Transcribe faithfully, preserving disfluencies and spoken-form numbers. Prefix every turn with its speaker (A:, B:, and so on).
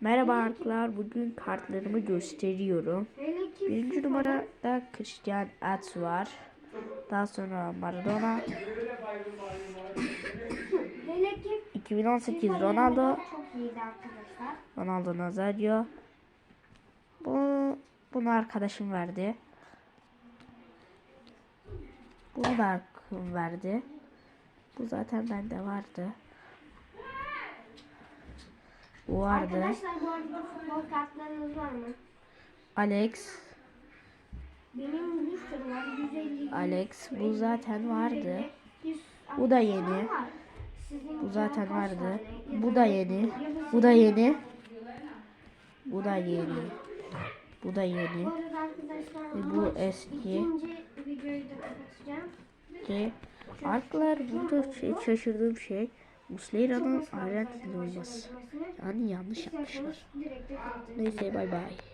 A: Merhaba arkadaşlar, bugün kartlarımı gösteriyorum. Birinci numarada Cristiano Ronaldo var. Daha sonra Maradona. iki bin on sekiz Ronaldo. Ronaldo Nazario. Bu bunu arkadaşım verdi. Bunu da arkadaşım verdi. Bu zaten bende vardı. Bu vardı.
B: Arkadaşlar bu arada futbol kartlarınız var mı?
A: Alex.
B: Benim bir sürü var. yüz elli.
A: Alex bu zaten vardı. Bu da yeni. Bu zaten vardı. Bu da yeni. Bu da yeni. Bu da yeni. Bu da yeni. Ve bu eski.
B: İkinci videoyu da kapatacağım.
A: Ki arkadaşlar burada şey, şaşırdığım şey Muslera'nın Arjantinli olması. Yani yanlış yapmışlar. Neyse bay bay.